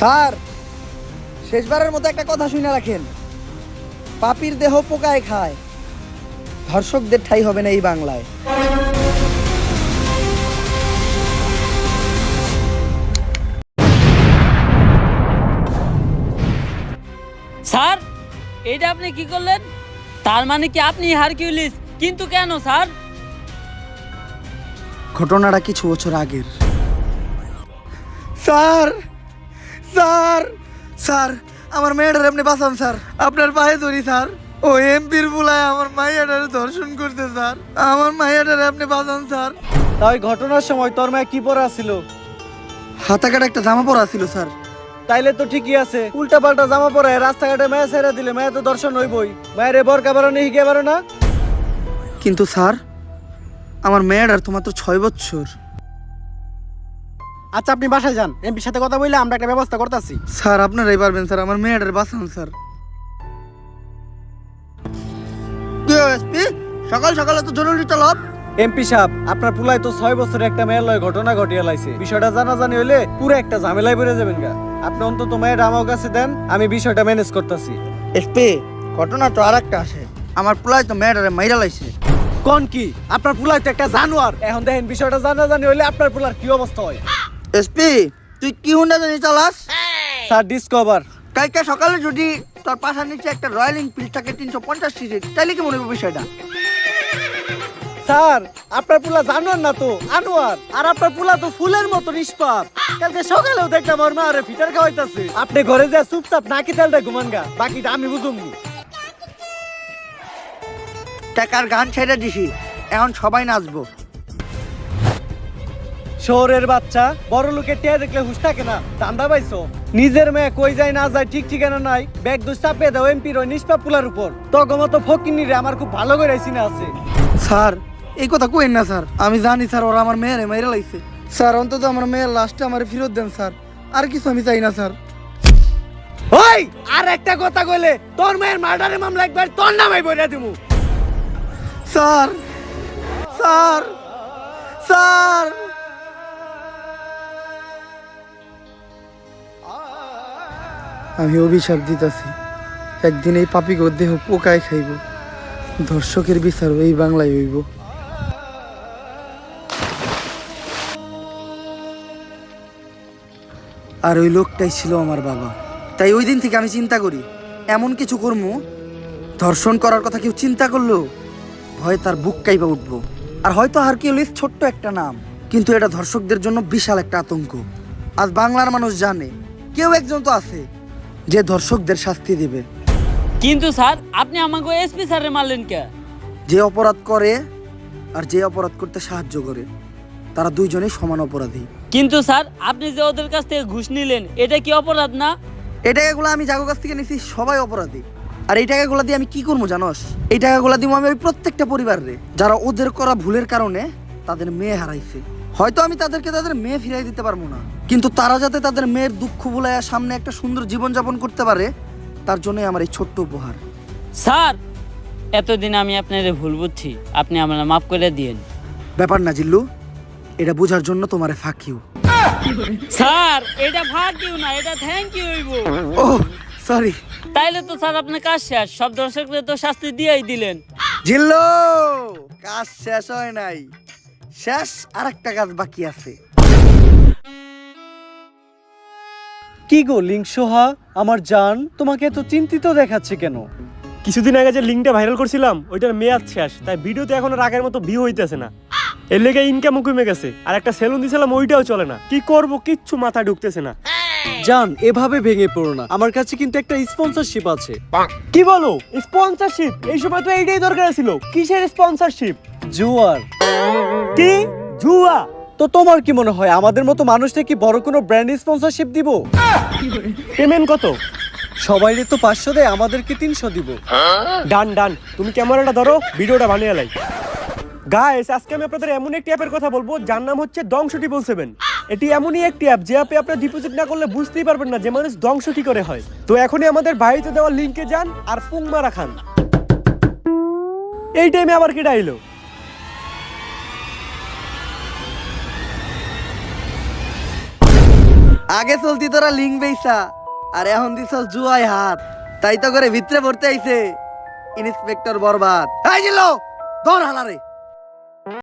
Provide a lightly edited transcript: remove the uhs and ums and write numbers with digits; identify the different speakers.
Speaker 1: Sir, শেষবারের মতো একটা কথা শুনে রাখেন, পাপীর দেহ পোকায় খায়, ধর্ষকদের ঠাঁই হবে না এই বাংলায়।
Speaker 2: স্যার, এটা আপনি কি করলেন? তার মানে কি আপনি হারকিউলিস? কিন্তু কেন স্যার?
Speaker 1: ঘটনাটা কিছু বছর আগের। স্যার স্যার স্যার আমার মেয়েটার আপনি বাঁচান স্যার, আপনার পায়ে ধরি স্যার। ও এমপির বুলায় আমার মাইয়াটারে ধর্ষণ করতে স্যার, আমার মাইয়াটারে আপনি বাঁচান স্যার।
Speaker 3: তাই ঘটনার সময় তোর মায়ে কি পরা ছিল?
Speaker 1: হাতাকাটা একটা জামা পরা ছিল স্যার।
Speaker 3: তাইলে তো ঠিকই আছে। উল্টা পাল্টা জামা পরে রাস্তাঘাটে মায়া ছেড়ে দিলে মায়া তো দর্শন হইবই। মায়ের বরকা বারো নেই হিগে বারো না।
Speaker 1: কিন্তু স্যার, আমার মেয়েটার তো মাত্র 6 বছর।
Speaker 3: আচ্ছা, আপনি বাসায় যান, এমপির সাথে কথা বললে আমরা একটা ব্যবস্থা করতেছি।
Speaker 1: স্যার আপনারাই পারবেন স্যার, আমার মেয়েটার বাঁচান স্যার। কি এসপি, সকাল সকালে তো জরুরি তলব।
Speaker 3: এমপি সাহেব, আপনার পুলাই তো 6 বছরে একটা মেয়ের লয় ঘটনা ঘটিয়ে লাইছে। বিষয়টা জানাজানি হইলে পুরো একটা ঝামেলায় বেড়ে যাবেন গা। আপনি অন্তত মেয়ের আমার কাছে দেন, আমি বিষয়টা ম্যানেজ করতেছি।
Speaker 1: এসপি, ঘটনা তো আর একটা আসে, আমার পোলায় তো মেয়েটারে মাইরা লাইছে।
Speaker 3: কোন কি? আপনার পুলাই তো একটা জানোয়ার। এখন দেখেন বিষয়টা জানাজানি হইলে আপনার পুলার কি অবস্থা হয়।
Speaker 1: এসপি, তুই কি হুন্ডা জানি চালাস?
Speaker 3: Sir, discover.
Speaker 1: কালকে সকালে যদি তোর পাশার নিচে একটা রয়্যাল এনফিল্ড থাকে 350 সিসি, তাহলে কি মনে হবে বিষয়টা?
Speaker 3: স্যার, আপনার পুলা জানোয়ার না তো আনোয়ার, আর আপনার পুলা তো ফুলের মতো নিষ্পাপ। কালকে সকালেও দেখলাম ওর মা আরে ফিটার খাওয়াইতাছে। আপনি ঘরে যা চুপচাপ নাকি তেলটা ঘুমান গা, বাকিটা আমি বুঝুমনি।
Speaker 1: টাকার গান ছেড়ে দিছি, এখন সবাই নাচবো।
Speaker 3: শহরের বাচ্চা, বড় লোকের টিয়া দেখলে হুশ থাকে না, ধান্দা পাইছো? নিজের মেয়ে কই যায় না যায় ঠিক ঠিকানা নাই, ব্যাগ দোষ চাপিয়ে দাও এমপির ওই নিষ্পাপ পুলার উপর। তগমতো ফকিনি রে আমার খুব ভালো করে চিনা আছে।
Speaker 1: স্যার, এই কথা কইেন না স্যার, আমি জানি স্যার ওরা আমার মেয়েরে মাইরা লাইছে। স্যার অন্তত আমার মেয়ের লাশটা আমার ফেরত দেন স্যার, আর কিছু আমি চাই না স্যার।
Speaker 3: ওই আর একটা কথা কইলে তোর মেয়ের মার্ডারের মামলা একবার তোর নামে বইরা দিমু।
Speaker 1: স্যার স্যার স্যার আমি অভিশাপ দিতেছি, একদিন এই পাপিকে দেহ পোকায় খাইব, ধর্ষকের বিচার এই বাংলায় হইব। আর ওই লোকটাই ছিল আমার বাবা। তাই ওই দিন থেকে আমি চিন্তা করি, এমন কিছু করবো, ধর্ষণ করার কথা কেউ চিন্তা করলো ভয় তার বুক কাইবা উঠবো। আর হয়তো হারকিউলিস ছোট্ট একটা নাম, কিন্তু এটা ধর্ষকদের জন্য বিশাল একটা আতঙ্ক। আজ বাংলার মানুষ জানে কেউ একজন তো আছে যে ধর্ষকদের শাস্তি দিবে।
Speaker 2: কিন্তু স্যার, আপনি আমাকে এসপি স্যারে মারলেন কে?
Speaker 1: যে অপরাধ করে আর যে অপরাধ করতে সাহায্য করে, তারা দুইজনেই সমান অপরাধী।
Speaker 2: কিন্তু স্যার, আপনি যে ওদের কাছ থেকে ঘুষ নিলেন, এটা কি অপরাধ না?
Speaker 1: এই টাকাগুলো আমি যাগো কাছ থেকে নিছি, সবাই অপরাধী। আর এই টাকাগুলো দিয়ে আমি কি করবো জানোস? এই টাকাগুলো দিব আমি ওই প্রত্যেকটা পরিবারে যারা ওদের করা ভুলের কারণে তাদের মেয়ে হারাইছে। হয়তো আমি তাদেরকে তাদের মেয়ে ফিরাই দিতে পারবো না, কিন্তু তারা যাতে তাদের মেয়ের দুঃখ ভুলাইয়া সামনে একটা সুন্দর জীবন যাপন করতে পারে, তার জন্যই আমার এই ছোট্ট উপহার।
Speaker 2: স্যার, এতদিন আমি আপনার ভুল বুঝছি, আপনি আমার মাফ করে দিয়েন।
Speaker 1: ব্যাপার না জিল্লু, এটা বোঝার জন্য তোমারে ফাঁক ইউ।
Speaker 2: স্যার, এটা ভাগ ইউ না, এটা থ্যাংক ইউ হইব।
Speaker 1: Oh sorry.
Speaker 2: তাইলে তো স্যার আপনার কাজ শেষ, সব দর্শকদের তো শাস্তি দিয়েই দিলেন।
Speaker 1: জিল্লু, কাজ শেষ হয় নাই, শেষ আর একটা কাজ বাকি আছে।
Speaker 3: কি গো লিংসোহা, আমার জান, তোমাকে এত চিন্তিত দেখাচ্ছে কেন?
Speaker 4: কিছুদিন আগে যে লিঙ্কটা ভাইরাল করছিলাম ওইটার মেয়াদ শেষ, তাই ভিডিওতে এখন আর আগের মতো ভিউ হইতেছে না। এর লেগে ইনকামও কমে গেছে, আর একটা সেলুন দিয়েছিলাম ওইটাও চলে না। কি করব কিচ্ছু মাথায় ঢুকতেছে না।
Speaker 3: জান, এভাবে ভেঙে পড়ো না, আমার কাছে কিন্তু একটা স্পন্সরশিপ আছে।
Speaker 4: কি বলো স্পন্সরশিপ? এই সময় তো এইটাই দরকার ছিল। কিসের স্পন্সরশিপ?
Speaker 3: জুয়ার।
Speaker 4: কি জুয়া?
Speaker 3: তো তোমার কি মনে হয় আমাদের মতো মানুষটা কি বড় কোনো ব্র্যান্ড স্পন্সরশিপ দিব?
Speaker 4: পেমেন্ট কত?
Speaker 3: সবাইরে তো 500 দেয়, আমাদেরকে 300 দিব।
Speaker 4: ডান ডান, তুমি ক্যামেরাটা ধরো, ভিডিওটা বানিয়ে লাই। গাইস, আজকে আমি আপনাদের এমন একটি অ্যাপের কথা বলবো যার নাম হচ্ছে দংশ 777। এটি এমনই একটি অ্যাপ যে অ্যাপে আপনারা ডিপোজিট না করলে বুঝতেই পারবেন না যে মানুষ ধ্বংস কি করে হয়। তো এখনই আমাদের বাড়িতে দেওয়া লিংকে যান আর পুং মারা খান। এই টাইমে আবার কি ডাইলো?
Speaker 1: আগে চলতি তোরা লিঙ্ক বেইসা আর এখন দিছ জুয়ায় হাত, তাই তো করে ভিতরে পড়তে আইছে ইন্সপেক্টর বরবাদ। এই জিল্লো ধর হালারে।